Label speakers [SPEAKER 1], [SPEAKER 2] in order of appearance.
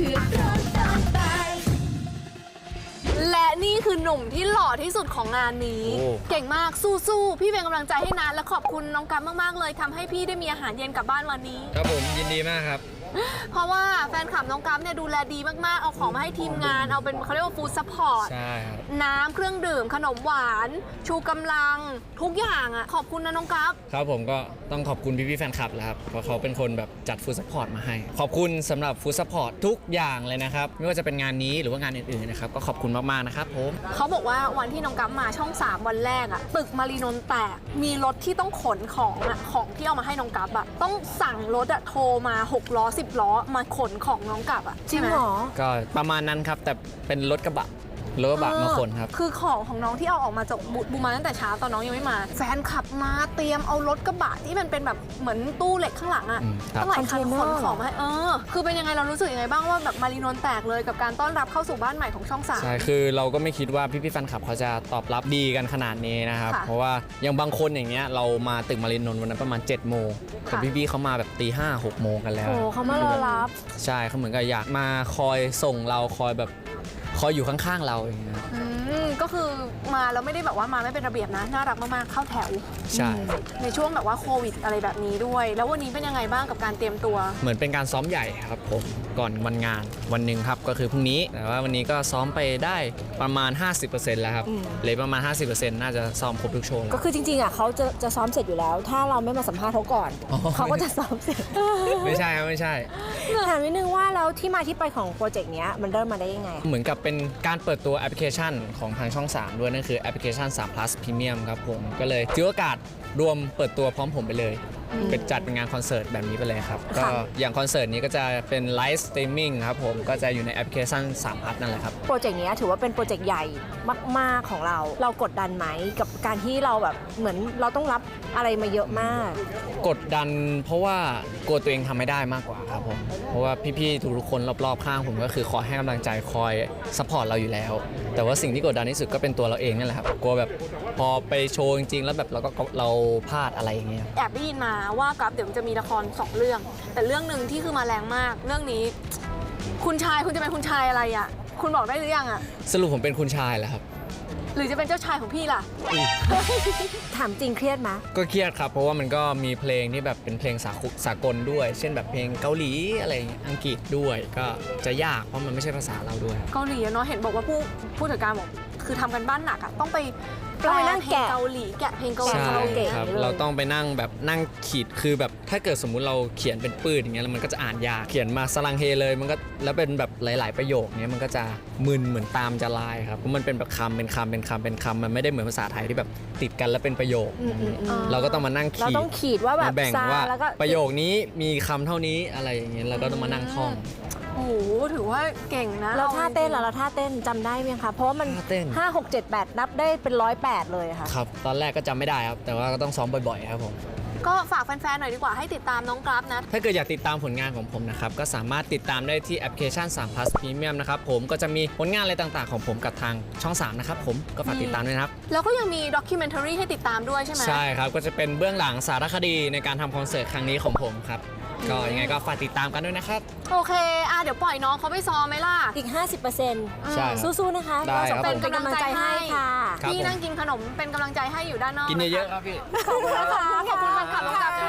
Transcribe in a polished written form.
[SPEAKER 1] และนี่คือหนุ่มที่หล่อที่สุดของงานนี้เก่งมากสู้ๆพี่เป็นกำลังใจให้นะและขอบคุณน้องกั๊บมากๆเลยทำให้พี่ได้มีอาหารเย็นกลับบ้านวันนี้
[SPEAKER 2] ครับผมยินดีมากครับ
[SPEAKER 1] เพราะว่าแฟนคลับน้องกั๊บเนี่ยดูแลดีมากๆเอาของมาให้ทีมงานเอาเป็นเขาเรียกว่าฟู้ดซัพพอร์ต
[SPEAKER 2] ใช่ครับ
[SPEAKER 1] น้ำเครื่องดื่มขนมหวานชูกำลังทุกอย่างอ่ะขอบคุณนะน้องกั๊บ
[SPEAKER 2] ครับผมก็ต้องขอบคุณพี่ๆแฟนคลับแหละครับเพราะเขาเป็นคนแบบจัดฟู้ดซัพพอร์ตมาให้ขอบคุณสำหรับฟู้ดซัพพอร์ตทุกอย่างเลยนะครับไม่ว่าจะเป็นงานนี้หรือว่างานอื่นๆนะครับก็ขอบคุณมากๆนะครับผม
[SPEAKER 1] เขาบอกว่าวันที่น้องกั๊บมาช่อง3วันแรกอ่ะตึกมารีนนท์แตกมีรถที่ต้องขนของอ่ะของที่เอามาให้น้องกั๊บอ่ะต้องสั่งรถอ่ะโทรมา6ล้อ10ล้อมาขนของน้องกั๊บอ่ะ
[SPEAKER 3] จริงเหรอ
[SPEAKER 2] ก็ประมาณนั้นครับแต่เป็นรถกระบะมาขนครับ
[SPEAKER 1] คือของน้องที่เอาออกมาจากบูมาตั้งแต่เช้าตอนน้องยังไม่มาแฟนขับมาเตรียมเอารถกระบะที่มันเป็นแบบเหมือนตู้เหล็กข้างหลังอ่ะตั้งหลายคันขนของมาให้คือเป็นยังไงเรารู้สึกยังไงบ้างว่าแบบมารีนนท์แตกเลยกับการต้อนรับเข้าสู่บ้านใหม่ของช่อง3
[SPEAKER 2] ใช่คือเราก็ไม่คิดว่าพี่ๆแฟนคลับเขาจะตอบรับดีกันขนาดนี้นะครับเพราะว่าอย่างบางคนอย่างเงี้ยเรามาตึกมารีนนท์วันนั้นประมาณ7 โมงแต่พี่ๆเขามาแบบตี 5 6 โมงกันแล้ว
[SPEAKER 3] โอ้เขามารอรับ
[SPEAKER 2] ใช่เขาเหมือนกับอยากมาคอยส่งเราคอยอยู่ข้างๆเราอย่างเงี้ย
[SPEAKER 1] ก็คือมาแล้วไม่ได้แบบว่ามาไม่เป็นระเบียบนะน่ารักมากๆเข้าแถว
[SPEAKER 2] ใช่
[SPEAKER 1] ในช่วงแบบว่าโควิดอะไรแบบนี้ด้วยแล้ววันนี้เป็นยังไงบ้างกับการเตรียมตัว
[SPEAKER 2] เหมือนเป็นการซ้อมใหญ่ครับผมก่อนวันงานวันหนึ่งครับก็คือพรุ่งนี้แต่ว่าวันนี้ก็ซ้อมไปได้ประมาณ 50% แล้วครับเลยประมาณ 50% น่าจะซ้อมครบทุกโชว์
[SPEAKER 3] ก็คือจริงๆอ่ะเขาจะซ้อมเสร็จอยู่แล้วถ้าเราไม่มาสัมภาษณ์เขาก่อนเขาก็จะซ้อมเสร็จ
[SPEAKER 2] ไม่ใช่ครับไม่ใช่
[SPEAKER 3] ถามนิดนึงว่าแล้วที่มาที่ไปของโปรเจกต์นี้มันเริ่มมาได้ยังไง
[SPEAKER 2] เหมือนกับเป็นการเปิดตัวแอปพลิเคชันของทางช่อง3ด้วยนั่นคือแอปพลิเคชัน3 plus Premium ครับผมก็เลยถือโอกาสรวมเปิดตัวพร้อมผมไปเลยเป็นจัดเป็นงานคอนเสิร์ตแบบนี้ไปเลยครับก็อย่างคอนเสิร์ตนี้ก็จะเป็นไลฟ์สตรีมมิ่งครับผมก็จะอยู่ในแอปพลิเคชัน3 plus นั่นแหละครับ
[SPEAKER 3] โปรเจกต์นี้ถือว่าเป็นโปรเจกต์ใหญ่มากๆของเรากดดันไหมกับการที่เราแบบเหมือนเราต้องรับอะไรมาเยอะมาก
[SPEAKER 2] กดดันเพราะว่ากลัวตัวเองทำไม่ได้มากกว่าครับผมเพราะว่าพี่ๆทุกคนรอบๆข้างผมก็คือคอยให้กำลังใจคอยซัพพอร์ตเราอยู่แล้วแต่ว่าสิ่งที่กดดันที่สุดก็เป็นตัวเราเองนี่แหละครับกลัวแบบพอไปโชว์จริงๆแล้วแบบเราพลาดอะไรอย่างเงี้ย
[SPEAKER 1] แอบได้ยินมาว่ากั๊บเดี๋ยวมันจะมีละคร2 เรื่องแต่เรื่องหนึ่งที่คือมาแรงมากเรื่องนี้คุณจะเป็นคุณชายอะไรอ่ะคุณบอกได้หรือยังอ่ะ
[SPEAKER 2] สรุปผมเป็นคุณชายแหละครับ
[SPEAKER 1] หรือจะเป็นเจ้าชายของพี่ล่ะ
[SPEAKER 3] ถามจริงเครียดไหม
[SPEAKER 2] ก็เครียดครับเพราะว่ามันก็มีเพลงที่แบบเป็นเพลงสากลด้วยเช่นแบบเพลงเกาหลีอะไรอังกฤษด้วยก็จะยากเพราะมันไม่ใช่ภาษาเราด้วย
[SPEAKER 1] เกาหลีเนาะเห็นบอกว่าผู้จัดการบอกคือทำกันบ้านหนักอ่ะต้องไป
[SPEAKER 3] นั่ง
[SPEAKER 1] แกะเกาหลีแกะเพลงเกาหลี
[SPEAKER 2] ครับเราต้องไปนั่งแบบนั่งขีดคือแบบถ้าเกิดสมมุติเราเขียนเป็นปืนอย่างเงี้ยแล้วมันก็จะอ่านยากเขียนมาสลังเฮเลยมันก็แล้วเป็นแบบหลายๆประโยคเนี้ยมันก็จะมึนเหมือนตามจะลายครับเพราะมันเป็นแบบคำเป็นคำมันไม่ได้เหมือนภาษาไทยที่แบบติดกันแล้วเป็นประโยคเราก็ต้องมานั่งขีด
[SPEAKER 3] เราต้องขีดว่าแบบ
[SPEAKER 2] แบ่งว่าประโยคนี้มีคำเท่านี้อะไรอย่างเงี้ยเราก็ต้องมานั่งท่อง
[SPEAKER 1] โอ้โหถือว่าเก่งนะ
[SPEAKER 3] เราท่าเต้นเราท่าเต้นจำได้ไหมคะเพราะว่ามัน5 6 7 8นับได้เป็น108เลยค่ะ
[SPEAKER 2] ครับตอนแรกก็จำไม่ได้ครับแต่ว่าก็ต้องซ้อมบ่อยๆครับผม
[SPEAKER 1] ก็ฝากแฟนๆหน่อยดีกว่าให้ติดตามน้องกั๊บนะ
[SPEAKER 2] ถ้าเกิดอยากติดตามผลงานของผมนะครับก็สามารถติดตามได้ที่แอปพลิเคชัน3 plus Premium นะครับผมก็จะมีผลงานอะไรต่างๆของผมกับทางช่อง3นะครับผมก็ฝากติดตามด้วยนะครับ
[SPEAKER 1] แล้วก็ยังมีด็อกิเมนทารีให้ติดตามด้วยใช่ไหม
[SPEAKER 2] ใช่ครับก็จะเป็นเบื้องหลังสารคดีในการทำคอนเสิร์ตครั้งนี้ของผมครับก็ยังไงก็ฝากติดตามกันด้วยนะครับ
[SPEAKER 1] โอเคเดี๋ยวปล่อยน้องเขาไปซ้อมไหมล่ะ
[SPEAKER 3] อีก 50%ใช่สู้ๆนะคะ
[SPEAKER 2] เรา
[SPEAKER 3] สองคนเป็นกำลังใจให้ค่ะ
[SPEAKER 1] พี่นั่งกินขนมเป็นกำลังใจให้อยู่ด้านนอก
[SPEAKER 2] กินเยอะๆครับพี่
[SPEAKER 1] ขอบคุณนะคะขอบคุณแฟนคลับ